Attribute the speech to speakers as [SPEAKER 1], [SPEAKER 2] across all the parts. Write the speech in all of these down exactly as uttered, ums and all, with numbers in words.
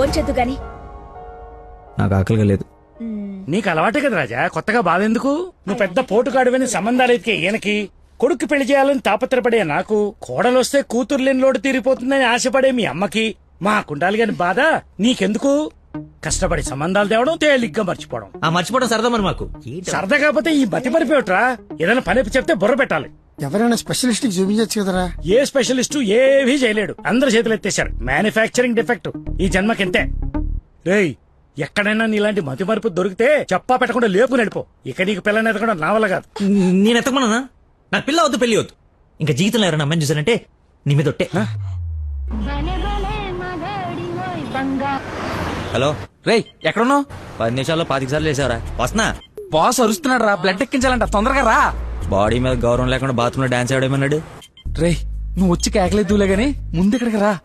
[SPEAKER 1] భోంచొద్దు గాని.
[SPEAKER 2] నాకు ఆకలిగా లేదు.
[SPEAKER 3] నీకు అలవాటే కదా రాజా, కొత్తగా బాధెందుకు? నువ్వు పెద్ద పోటుగాడువని సంబంధాలు ఎతికే ఈయనకి, కొడుకు పెళ్లి చేయాలని తాపత్రపడే నాకు, కోడలొస్తే కూతురు లేని లోటు తీరిపోతుందని ఆశపడే మీ అమ్మకి, మా కుండాలి గాని బాధ నీకెందుకు? కష్టపడి సంబంధాలు తేవడం, తేలిగ్గా మర్చిపోవడం.
[SPEAKER 2] ఆ మర్చిపోవడం సరదా మరి మాకు.
[SPEAKER 3] సరదా కాకపోతే ఈ బతి మరిపోయట్రా. ఏదైనా పని చెప్తే బుర్ర పెట్టాలి.
[SPEAKER 4] ఎవరైనా స్పెషలిస్ట్ కి చూపించచ్చు కదరా.
[SPEAKER 3] ఏ స్పెషలిస్టు ఏవీ చేయలేడు, అందరు చేతులు ఎత్తేశారు. మ్యానుఫ్యాక్చరింగ్ డిఫెక్ట్ ఈ జన్మకింతే. రేయ్, ఎక్కడైనా నీలాంటి మతి మరుపు దొరికితే చెప్పా పెట్టకుండా లేపు నడిపో. ఇక నీకు పిల్లని ఎదగడం నా వల్ల కాదు.
[SPEAKER 2] నేను ఎత్తకమన్నా? నా పిల్ల వద్దు, పెళ్లి వద్దు. ఇంకా జీవితంలో ఎవరైనా అమ్మాయిని చూసానంటే నీ మీద ఒట్టే. హలో
[SPEAKER 5] రేయ్, ఎక్కడున్నావు?
[SPEAKER 2] పది నిమిషాల్లో పాతిక సార్లు వేసావరా? వస్తున్నా.
[SPEAKER 5] బాస్ అరుస్తున్నాడు రా, బ్లడ్ ఎక్కించాలంట, తొందరగా రా.
[SPEAKER 2] బాడీ మీద గౌరవం లేకుండా బాత్రూమ్ లో డాన్స్ ఆడేమన్నాడు.
[SPEAKER 5] రేయ్, నువ్వు వచ్చి కేకలేదులే గాని ముందు ఇక్కడికి రా.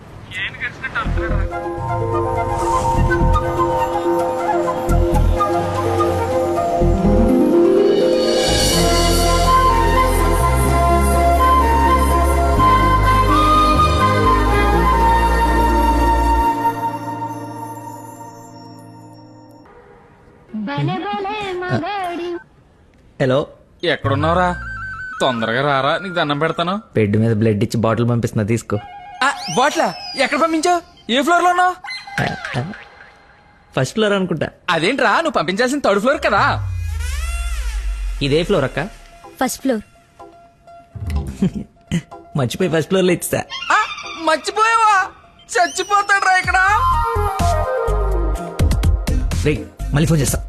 [SPEAKER 2] హలో,
[SPEAKER 5] ఎక్కడున్నావురా? తొందరగా రారా, నీకు దండం పెడతాను.
[SPEAKER 2] బెడ్ మీద బ్లడ్ ఇచ్చి బాటిల్ పంపిస్తున్నా, తీసుకో.
[SPEAKER 5] బాట్లా ఎక్కడ పంపించావు? ఏ ఫ్లోర్ లో ఉన్నావు?
[SPEAKER 2] ఫస్ట్ ఫ్లోర్ అనుకుంటా.
[SPEAKER 5] అదేంట్రా, నువ్వు పంపించాల్సిన థర్డ్ ఫ్లోర్ కదా.
[SPEAKER 2] ఇదే ఫ్లోర్ అక్క?
[SPEAKER 1] First floor.
[SPEAKER 2] మర్చిపోయి ఫస్ట్ ఫ్లోర్ లో ఇచ్చా.
[SPEAKER 5] ఆ, మర్చిపోయావా? చచ్చిపోతాడు రా ఇక్కడ.
[SPEAKER 2] రే, మళ్ళీ ఫోన్ చేస్తా.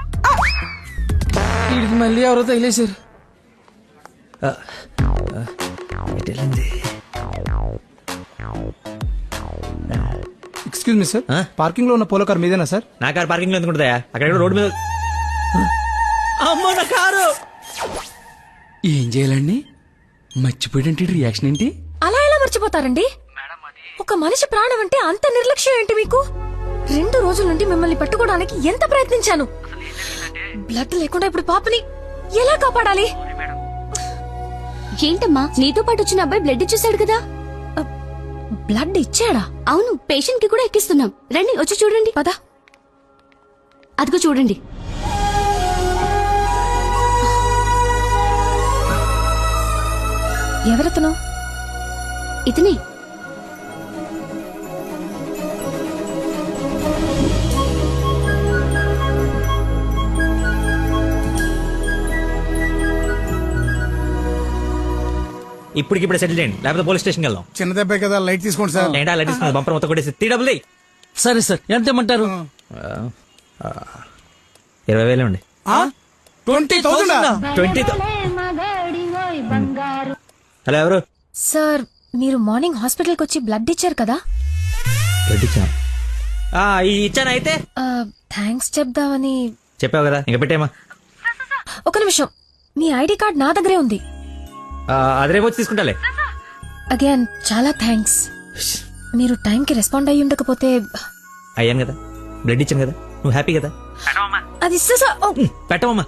[SPEAKER 5] వీడికి మళ్ళీ ఎవరో తగిలేశారు.
[SPEAKER 4] ఎక్స్క్యూజ్ మీ సార్,
[SPEAKER 2] ఆ?
[SPEAKER 4] పార్కింగ్ లో ఉన్న పోలో కార్ మీదేనా సార్?
[SPEAKER 2] నా కారు పార్కింగ్ లో ఎందుకుంటుందా? అక్కడ రోడ్డు మీద. అమ్మో, నా కారు!
[SPEAKER 5] ఏం చేయాలండి? మర్చిపోయాడంటే రియాక్షన్ ఏంటి?
[SPEAKER 1] అలా ఎలా మర్చిపోతారండి? ఒక మనిషి ప్రాణం అంటే అంత నిర్లక్ష్యం ఏంటి మీకు? రెండు రోజుల నుండి మిమ్మల్ని పట్టుకోవడానికి ఎంత ప్రయత్నించాను. బ్లడ్ లేకుండా ఇప్పుడు పాపని ఎలా కాపాడాలి?
[SPEAKER 6] ఏంటమ్మా, నీతో పాటు వచ్చిన అబ్బాయి బ్లడ్ ఇచ్చేసాడు కదా?
[SPEAKER 1] బ్లడ్ ఇచ్చాడా?
[SPEAKER 6] అవును, పేషెంట్ కి కూడా ఎక్కిస్తున్నాం. రండి, వచ్చి చూడండి.
[SPEAKER 1] పద.
[SPEAKER 6] అదిగో చూడండి.
[SPEAKER 1] ఎవరతను?
[SPEAKER 6] ఇతనే.
[SPEAKER 2] ఇప్పటికిప్పుడు సెటిల్ చేయండి, లేకపోతే పోలీస్ స్టేషన్కి వెళ్దాం.
[SPEAKER 4] చిన్న దెబ్బే కదా, లైట్ తీసుకోండి సార్.
[SPEAKER 2] ఏంటా లైట్ ఇస్తుంది? బంపర్ మొత్తం కొట్టేసి త్రీ డబుల్
[SPEAKER 5] సరే సార్, ఎంత ఇమ్మంటారు?
[SPEAKER 2] ఇరవై వేలు అండి.
[SPEAKER 4] Twenty thousand
[SPEAKER 2] twenty. హలో, ఎవరు?
[SPEAKER 1] సార్, మీరు మార్నింగ్ హాస్పిటల్కి వచ్చి బ్లడ్ ఇచ్చారు కదా?
[SPEAKER 2] బ్లడ్ ఇచ్చాను. ఇచ్చాను. అయితే
[SPEAKER 1] థ్యాంక్స్ చెప్దామని.
[SPEAKER 2] చెప్పావు కదా, ఇంకా పెట్టేమా.
[SPEAKER 1] ఒక నిమిషం, మీ ఐడి కార్డ్ నా దగ్గరే ఉంది.
[SPEAKER 2] అది రేపు వచ్చి తీసుకుంటాలే.
[SPEAKER 1] అగైన్ చాలా థ్యాంక్స్. మీరు టైంకి రెస్పాండ్ అయ్యి ఉండకపోతే.
[SPEAKER 2] అయ్యాను కదా, బ్లడ్ ఇచ్చాను కదా, నువ్వు హ్యాపీ కదా.
[SPEAKER 1] అది
[SPEAKER 2] పెట్టవమ్మా.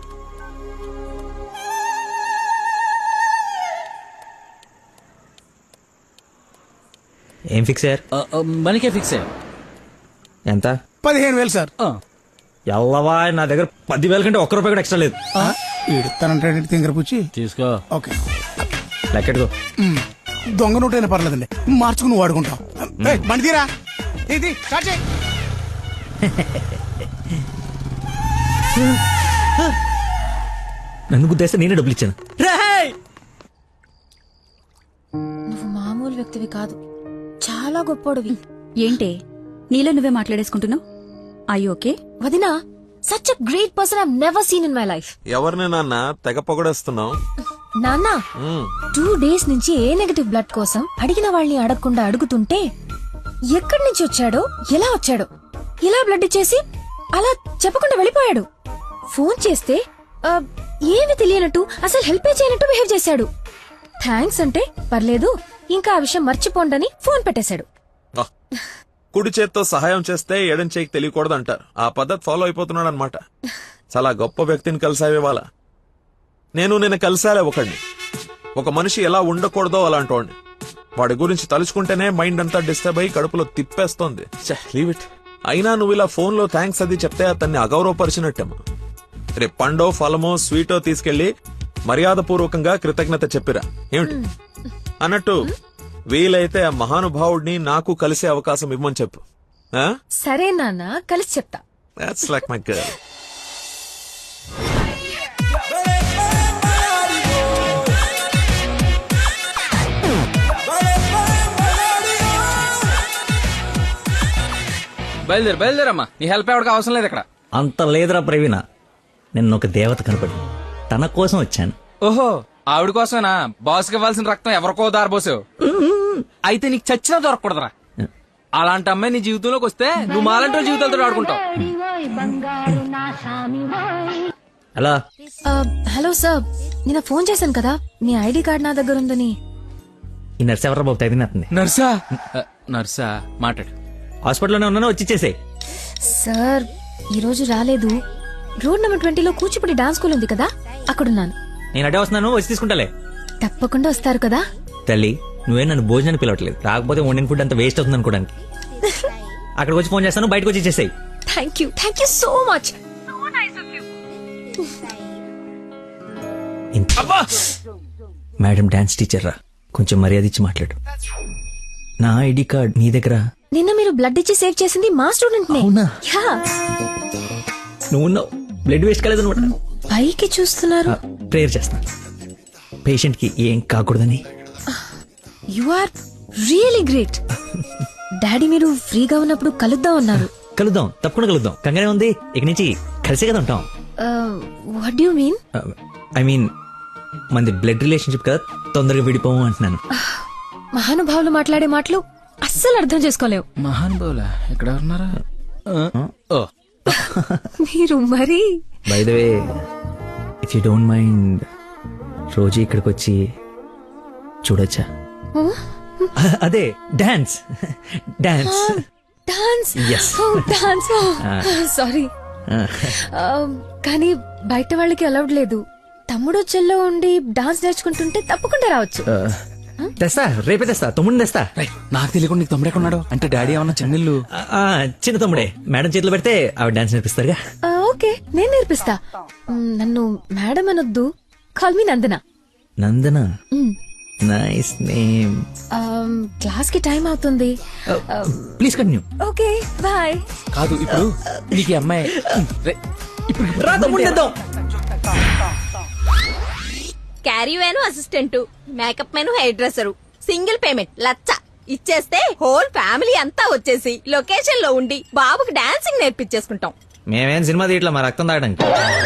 [SPEAKER 2] ఏం ఫిక్స్ అయ్యారు?
[SPEAKER 5] మనకే ఫిక్స్ అయ్యా.
[SPEAKER 2] ఎంత?
[SPEAKER 4] పదిహేను వేలు సార్.
[SPEAKER 2] ఎల్లవా, నా దగ్గర పదివేల కంటే ఒక్క రూపాయి కూడా ఎక్స్ట్రా లేదు.
[SPEAKER 4] ఇడతానంటే తింగర పుచ్చి
[SPEAKER 5] తీసుకో.
[SPEAKER 4] ఓకే,
[SPEAKER 2] లెక్కెట్టుకో.
[SPEAKER 4] దొంగ నోట్ అయినా పర్లేదండి, మార్చుకుని వాడుకుంటాం. బండి తీరా, ఇది స్టార్ట్ చేయి.
[SPEAKER 2] నన్ను గుద్దేస్తే నేనే డబ్బులు ఇచ్చాను.
[SPEAKER 1] నువ్వు మామూలు వ్యక్తివి కాదు, చాలా గొప్పోడివి.
[SPEAKER 6] ఏంటే నీలో నువ్వే మాట్లాడేసుకుంటున్నావు? I okay?
[SPEAKER 1] వదినా, such a great person I have never seen in my life.
[SPEAKER 7] ఎవరిని నాన్న తెగ పొగడేస్తున్నావు?
[SPEAKER 1] నాన్న, టూ డేస్ నుంచి ఏ నెగటివ్ బ్లడ్ కోసం అడిగిన వాళ్ళని అడగకుండా అడుగుతుంటే ఎక్కడి నుంచి వచ్చాడో, ఎలా వచ్చాడో, ఇలా బ్లడ్ ఇచ్చేసి అలా చెప్పకుండా వెళ్ళిపోయాడు. ఫోన్ చేస్తే ఆ, ఏమి తెలియనట్టు, అసలు హెల్ప్ చేయనట్టు బిహేవ్ చేశాడు. థ్యాంక్స్ అంటే పర్లేదు, ఇంకా ఆ విషయం మర్చిపోండని ఫోన్ పెట్టేశాడు.
[SPEAKER 7] కుడి చేత్తో సహాయం చేస్తే ఎడం చేయికి తెలియకూడదు అంటారు. ఆ పద్ధతి ఫాలో అయిపోతున్నాడు అనమాట. చాలా గొప్ప వ్యక్తిని కలిసావే వాళ్ళ. నేను నేను కలిసాలే ఒకడిని. ఒక మనిషి ఎలా ఉండకూడదో అలాంటి వాడిని. వాడి గురించి తలుచుకుంటేనే మైండ్ అంతా డిస్టర్బ్ అయ్యి కడుపులో తిప్పేస్తోంది. Leave it. అయినా నువ్వు ఇలా ఫోన్ లో థ్యాంక్స్ అది చెప్తే అతన్ని అగౌరవపరిచినట్టేమో. రేపు పండో ఫలమో స్వీటో తీసుకెళ్లి మర్యాద పూర్వకంగా కృతజ్ఞత చెప్పిరా ఏమిటి? అన్నట్టు వీలైతే ఆ మహానుభావుడిని నాకు కలిసే అవకాశం ఇవ్వమని చెప్పు.
[SPEAKER 1] సరే నాన్న, కలిసి చెప్తా.
[SPEAKER 7] That's like my girl.
[SPEAKER 5] బయలుదేరు బయలుదేరమ్మా, నీ హెల్ప్ ఎవరికి అవసరం లేదు ఇక్కడ.
[SPEAKER 2] అంత లేదురా ప్రవీణ, నిన్న ఒక దేవత కనపడి తన కోసం వచ్చాను.
[SPEAKER 5] ఓహో, ఆవిడ కోసమేనా బాస్కి ఇవ్వాల్సిన రక్తం ఎవరికో దారబోసావు? అయితే నీకు చచ్చినా దొరకకూడదురా. అలాంటి అమ్మాయి నీ జీవితంలోకి వస్తే నువ్వు మాలంటి వాళ్ళ జీవితాలతో ఆడుకుంటావు.
[SPEAKER 2] అలా
[SPEAKER 1] ఆ, హలో సార్, నిన్న ఫోన్ చేశాను కదా, మీ ఐడి కార్డ్ నా దగ్గర ఉందని.
[SPEAKER 2] ఈ నర్స్ ఎవరా బాబు తగినట్టుంది.
[SPEAKER 5] నర్సా? ఆ, నర్సా మాట్లాడు.
[SPEAKER 2] హాస్పిటల్లోనే ఉన్నాను, వచ్చి ఇచ్చేసేయ్.
[SPEAKER 1] సార్ ఈ రోజు రాలేదు. రోడ్ నెంబర్ ట్వంటీలో కూచిపూడి డాన్స్ స్కూల్ ఉంది కదా, అక్కడున్నాను.
[SPEAKER 2] నేను అడే వస్తున్నాను, వచ్చి తీసుకుంటాలే.
[SPEAKER 1] తప్పకుండా వస్తారు కదా.
[SPEAKER 2] తల్లి, నువ్వే నన్ను భోజనానికి పిలవట్లేదు, రాకపోతే వండిన ఫుడ్ అంత వేస్ట్ అవుతుంది అనుకోడానికి. అక్కడికి వచ్చి ఫోన్ చేస్తాను, బయటకు వచ్చి ఇచ్చేసేయ్.
[SPEAKER 1] Thank you thank you so much.
[SPEAKER 2] Madam dance teacher రా, కొంచెం మర్యాద ఇచ్చి మాట్లాడు. నా ఐడి కార్డ్ నీ దగ్గర.
[SPEAKER 1] నిన్న మీరు బ్లడ్ ఇచ్చి సేవ్ చేసింది మా స్టూడెంట్ నే.
[SPEAKER 2] అవునా?
[SPEAKER 1] యా.
[SPEAKER 2] నువ్వు బ్లడ్ వేస్ట్ కాలేదు అనమాట.
[SPEAKER 1] పైకి చూస్తున్నారు.
[SPEAKER 2] ప్రేయర్ చేస్తాను పేషెంట్ కి ఏం కాకూడదని.
[SPEAKER 1] You are really great. Daddy మీరు ఫ్రీగా ఉన్నప్పుడు కలుద్దాం అన్నారు.
[SPEAKER 2] కలుద్దాం, తప్పకుండా కలుద్దాం. కంగానే ఉంది, ఇక నుంచి కలిసే కదా ఉంటాం.
[SPEAKER 1] What you mean?
[SPEAKER 2] I mean మనది బ్లడ్ రిలేషన్షిప్ కదా, తొందరగా విడిపోము అంటున్నాను.
[SPEAKER 1] మహానుభావులు మాట్లాడే మాటలు అస్సలు అర్థం చేసుకోలేవు.
[SPEAKER 5] మహానుభావులా ఎక్కడ ఉన్నారా? ఓ,
[SPEAKER 1] మీరు మరి.
[SPEAKER 2] By the way, if you don't mind, రోజు ఇక్కడికి వచ్చి చూడొచ్చా? అదే dance dance
[SPEAKER 1] dance.
[SPEAKER 2] Yes.
[SPEAKER 1] Dance. Sorry, కానీ బయట వాళ్ళకి అలౌడ్ లేదు. తమ్ముడు చెల్లో ఉండి డాన్స్ నేర్చుకుంటుంటే తప్పకుండా రావచ్చు.
[SPEAKER 2] తెస్తా, రేపే తెస్తా, తమ్ముడిని తెస్తా.
[SPEAKER 5] రేయ్, నాకు తెలియకుండా నీకు తమ్ముడు ఎక్కడున్నాడు? అంటే డాడీ ఏమన్నా చెన్నెళ్ళు?
[SPEAKER 2] ఆ, చిన్న తమ్ముడే, మేడం చేతిలో పెడితే ఆవిడ డాన్స్ నేర్పిస్తారుగా.
[SPEAKER 1] ఆ, ఓకే, నేను నేర్పిస్తా. మ్, నన్ను మేడం అనొద్దు, call me Nandana.
[SPEAKER 2] Nandana, nice name.
[SPEAKER 1] Class కి టైం అవుతుంది.
[SPEAKER 2] Please continue.
[SPEAKER 1] Okay, bye.
[SPEAKER 5] కాదు, ఇప్పుడు నీకు ఈ అమ్మాయి రేయ్, ఇప్పుడు
[SPEAKER 2] రా తమ్ముడిని తెద్దాం.
[SPEAKER 8] Caravan assistant, makeup man hair dresser, single payment లచ్చ ఇచ్చేస్తే హోల్ ఫ్యామిలీ అంతా వచ్చేసి లొకేషన్ లో ఉండి బాబుకి డాన్సింగ్ నేర్పించేసుకుంటాం.
[SPEAKER 2] మేమేం సినిమా తీయట్లా, మా రక్తం తాగడానికి.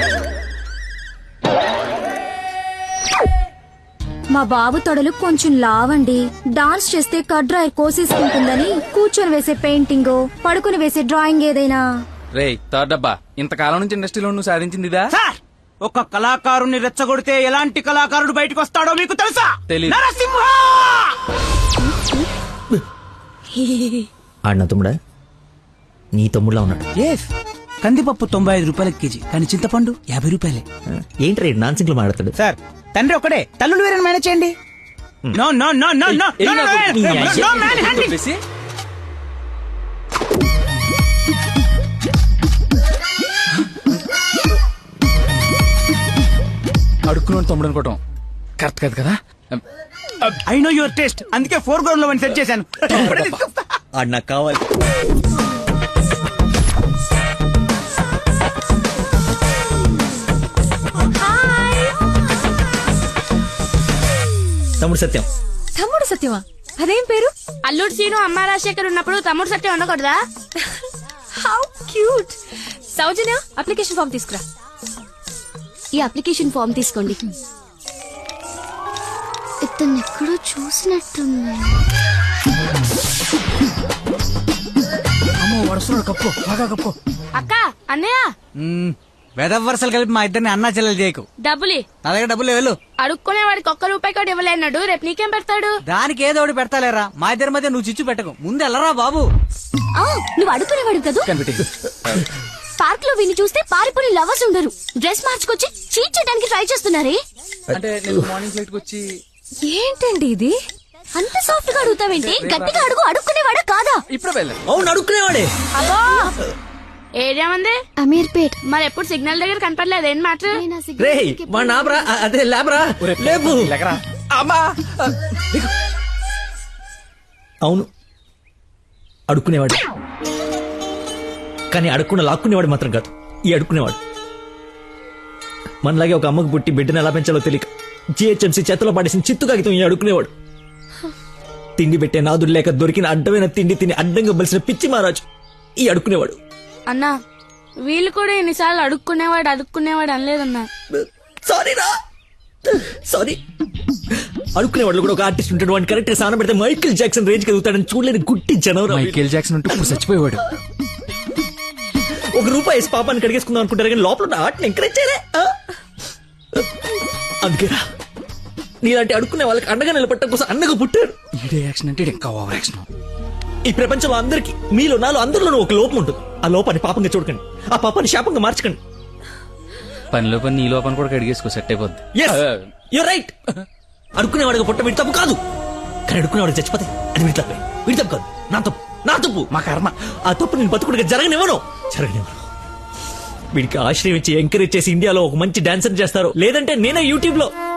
[SPEAKER 6] మా బాబు తొడలు కొంచెం లావండి. డాన్స్ చేస్తే కడ్రాయర్ కోసేసుకుంటుందని కూర్చొని వేసే పెయింటింగ్, పడుకుని వేసే డ్రాయింగ్ ఏదైనా.
[SPEAKER 5] రేయ్ థర్డ్ డబ్బా, ఇంతకాలం నుంచి ఇండస్ట్రీలో నువ్వు సాధించింది ఇదా?
[SPEAKER 4] సార్, ఒక కళాకారుని రెచ్చగొడితే ఎలాంటి కళాకారుడు బయటకు వస్తాడో మీకు తెలుసా?
[SPEAKER 5] తెలీదు.
[SPEAKER 4] నరసింహ!
[SPEAKER 2] ఆడిన తమ్ముడా, నీ తమ్ముడులా ఉన్నాడు.
[SPEAKER 9] ఎస్, కందిపప్పు తొంభై ఐదు రూపాయల కేజీ, కానీ చింతపండు యాభై రూపాయలే.
[SPEAKER 2] ఏంటి రేడు నాన్సింగ్ లో మాట్లాడతాడు?
[SPEAKER 9] సార్, తండ్రి ఒకడే, తల్లులు వేరే మేనేజ్ చేయండి. No no no no no
[SPEAKER 5] ఏయ్,
[SPEAKER 9] నో
[SPEAKER 5] నాకు నీ
[SPEAKER 9] నో
[SPEAKER 5] అయ్యే
[SPEAKER 9] మ్యాన్ హ్యాండింగ్.
[SPEAKER 5] చెప్పేసి అడుక్కున్నాడు తమ్ముడు అనుకోవటం కరెక్ట్ కాదు కదా.
[SPEAKER 9] ఐ నో యువర్ టేస్ట్, అందుకే ఫోర్ గ్రౌండ్ లో సెట్ చేశాను. ఇప్పుడే తీసుకొస్తా.
[SPEAKER 2] ఆడు నాకు కావాలి. తమ్ముడు సత్యం.
[SPEAKER 1] తమ్ముడు సత్యమా? అదేం పేరు?
[SPEAKER 10] అల్లుడు సీను అమ్మ రాజశేఖర్ ఉన్నప్పుడు తమ్ముడు సత్యం ఉండకూడదా?
[SPEAKER 1] How cute. Soujanya, application form తీసుకురా.
[SPEAKER 6] ఈ అప్లికేషన్ ఫామ్ తీసుకోండి. ఇతను ఎక్కడో చూసినట్టుంది.
[SPEAKER 9] అమ్మో, వడుస్తున్నాడు, కప్పు బాగా కప్పు.
[SPEAKER 10] అక్క, అన్నయ్య,
[SPEAKER 9] వెదవ వరుసలు కలిపి మా ఇద్దరిని అన్నా చెల్లెలు చేయకు.
[SPEAKER 10] డబ్బులి
[SPEAKER 9] నా దగ్గర డబ్బులు వెళ్ళు.
[SPEAKER 10] అడుక్కునే వాడికి ఒక్క రూపాయి కూడా ఇవ్వలేన్నాడు, రేపు నీకేం పెడతాడు?
[SPEAKER 9] దానికి ఏదో ఒకటి పెడతాలేరా, మా ఇద్దరి మధ్య నువ్వు చిచ్చు పెట్టకు. ముందు వెళ్ళరా బాబు.
[SPEAKER 6] ఆ, నువ్వు అడుగునేవాడు కదా.
[SPEAKER 5] కనిపెట్టి
[SPEAKER 6] పార్క్ లో విని చూస్తే పారిపోయి లవర్స్ ఉండరు. డ్రెస్ మార్చుకొచ్చి చీట్ చేయడానికి ట్రై చేస్తున్నారే.
[SPEAKER 5] అంటే నేను మార్నింగ్ ఫ్లైట్ కి వచ్చి
[SPEAKER 1] ఏంటండి ఇది? అంత సాఫ్ట్ గా అడుగుతావేంటి? గట్టిగా అడుగు. అడుక్కునేవాడా కాదా?
[SPEAKER 5] ఇప్పుడు వెళ్ళండి.
[SPEAKER 2] అవును అడుక్కునేవాడే.
[SPEAKER 10] అబ్బో ఏరియా ఉంది
[SPEAKER 6] అమీర్పేట్.
[SPEAKER 10] మరి ఎప్పుడు సిగ్నల్ దగ్గర కనపడలేదు ఏం మ్యాటర్?
[SPEAKER 2] రే మా నాబ్రా అదే లేబరా లేపు.
[SPEAKER 5] అమ్మా
[SPEAKER 2] అవును అడుక్కునేవాడు, కానీ అడుక్కున్న లాక్కునేవాడు మాత్రం కాదు ఈ అడుక్కునేవాడు. మనలాగే ఒక అమ్మకు పుట్టి బిడ్డను ఎలా పెంచాలో తెలియక జిహెచ్ఎంసీ చేతిలో పడేసిన చిత్తు కాగితం ఈ అడుక్కునేవాడు. తిండి పెట్టే నాదుడు లేక దొరికిన అడ్డమైన తిండి తిని అడ్డంగా బలిసిన పిచ్చి మహారాజు ఈ అడుక్కునేవాడు.
[SPEAKER 10] అన్నా వీళ్ళు కూడా ఎన్నిసార్లు అడుక్కునేవాడు అడుక్కునేవాడు అనలేదన్నా.
[SPEAKER 2] సారీ రా సారీ. అడుక్కునేవాడు కూడా ఒక ఆర్టిస్ట్ ఉంటాడు, వాడిని కరెక్ట్ గా సాన పెడితే మైకేల్ జాక్సన్ రేంజ్ ఎదుగుతాడని చూడలేని గుట్టి జనవరం.
[SPEAKER 5] మైకేల్ జాక్సన్ ఉంటూ ఇప్పుడు చచ్చిపోయేవాడు.
[SPEAKER 2] ఒక రూపాయి వేసి పాపాన్ని కడిగేసుకుందాం అనుకుంటారు కానీ లోపల ఉన్న ఆర్ట్ని ఎంకరేజ్ చేయలే. అందుకేరా నీలాంటి అడుక్కునే వాళ్ళకి అండగా నిలబట్టడం కోసం అన్నగా పుట్టారు.
[SPEAKER 5] ఈడే యాక్షన్ అంటే ఇంకా ఓవర్ యాక్షన్.
[SPEAKER 2] ఈ ప్రపంచంలో అందరికి మీలో నాలో అందరిలోనూ ఒక లోపం ఉంటుంది. ఆ లోపాన్ని పాపంగా చూడకండి, ఆ పాపాన్ని శాపంగా మార్చకండి.
[SPEAKER 5] పనిలో పని నీ లోపల కూడా కడిగేసుకో సెట్ అయిపోద్ది.
[SPEAKER 2] You're right. అడుక్కునేవాడిగా పుట్ట వీడి తప్పు కాదు, కానీ అడుక్కునేవాడు చచ్చిపోతే అది వీడి తప్పే. వీడి తప్పు కాదు, నా తప్పు నా తప్పు
[SPEAKER 5] మా కర్మ.
[SPEAKER 2] ఆ తప్పు నేను బతుకుడిగా జరగనివ్వను జరగనివ్వను. వీడికి ఆశ్రయం ఇచ్చి ఎంకరేజ్ చేసి ఇండియాలో ఒక మంచి డాన్సర్ చేస్తారు, లేదంటే నేనే యూట్యూబ్ లో